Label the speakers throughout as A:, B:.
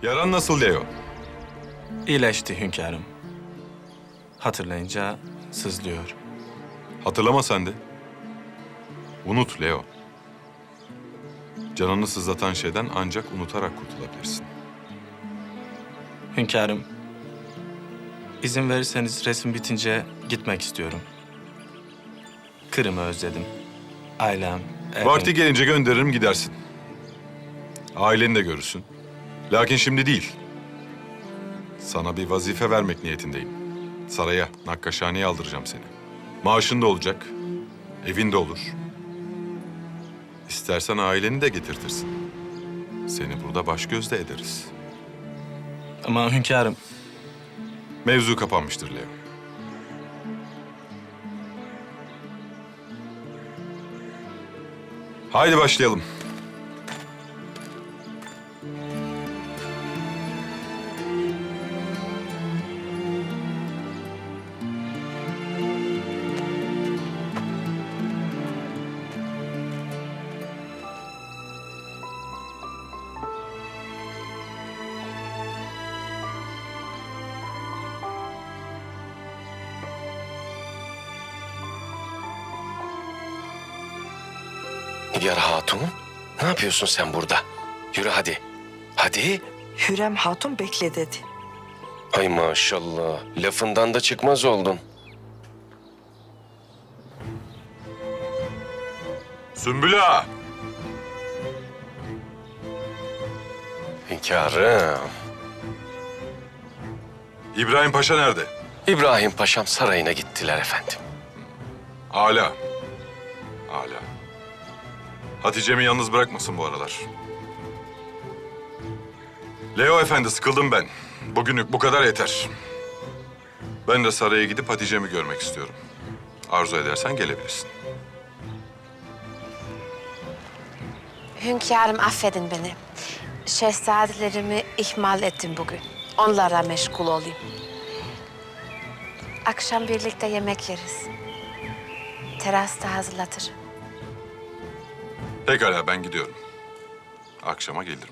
A: Yaran nasıl Leo?
B: İyileşti hünkârım. Hatırlayınca sızlıyor.
A: Hatırlama sen de. Unut Leo. Canını sızlatan şeyden ancak unutarak kurtulabilirsin.
B: Hünkârım, izin verirseniz resim bitince gitmek istiyorum. Kırım'ı özledim. Ailem, evim...
A: Vakti gelince gönderirim gidersin. Aileni de görürsün. Lakin şimdi değil. Sana bir vazife vermek niyetindeyim. Saraya, Nakkaşhane'ye aldıracağım seni. Maaşın da olacak, evin de olur. İstersen aileni de getirtirsin. Seni burada baş gözde ederiz.
B: Ama hünkârım,
A: Mevzu kapanmıştır Leo. Haydi başlayalım.
C: Nigar Hatun, ne yapıyorsun sen burada? Yürü hadi. Hadi.
D: Hürrem Hatun bekle dedi.
C: Ay maşallah, lafından da çıkmaz oldun.
A: Sümbül Ağa!
C: Hünkârım.
A: İbrahim Paşa nerede?
C: İbrahim Paşam sarayına gittiler efendim.
A: Âlâ. Âlâ. Hatice'mi yalnız bırakmasın bu aralar. Leo Efendi, sıkıldım ben. Bugünlük bu kadar yeter. Ben de saraya gidip Hatice'mi görmek istiyorum. Arzu edersen gelebilirsin.
E: Hünkârım affedin beni. Şehzadelerimi ihmal ettim bugün. Onlara meşgul olayım. Akşam birlikte yemek yeriz. Terasta hazırlatırım.
A: Pekala, ben gidiyorum. Akşama gelirim.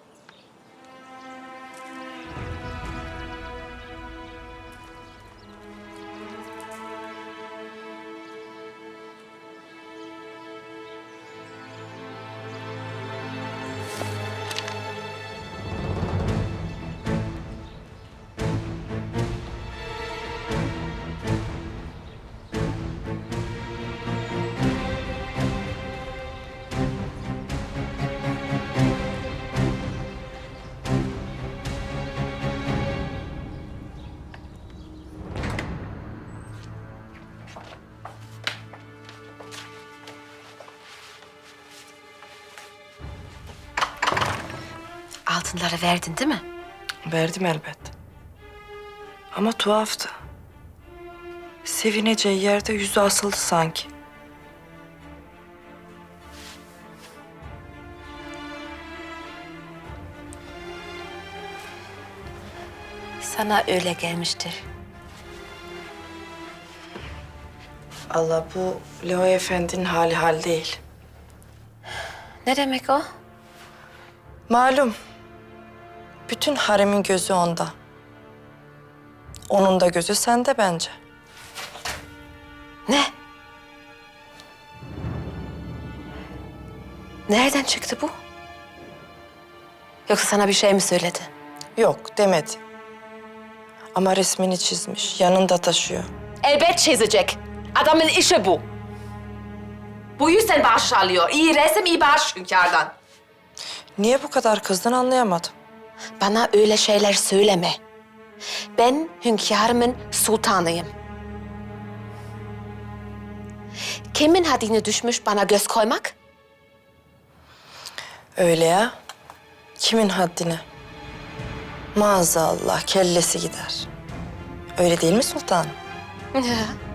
E: Altınları verdin değil mi?
D: Verdim elbet. Ama tuhaftı. Sevineceği yerde yüzü asıldı sanki.
E: Sana öyle gelmiştir.
D: Allah, bu Leo Efendi'nin hali hal değil.
E: Ne demek o?
D: Malum. Bütün haremin gözü onda. Onun da gözü sende bence.
E: Ne? Nereden çıktı bu? Yoksa sana bir şey mi söyledi?
D: Yok demedi. Ama resmini çizmiş, yanında taşıyor.
E: Elbet çizecek. Adamın işi bu. Bu yüzden bağış alıyor. İyi resim, iyi bağış hünkârdan.
D: Niye bu kadar kızdın anlayamadım.
E: Bana öyle şeyler söyleme. Ben hünkârımın sultanıyım. Kimin haddine düşmüş bana göz koymak?
D: Öyle ya. Kimin haddine? Maazallah kellesi gider. Öyle değil mi sultanım?
E: Ya,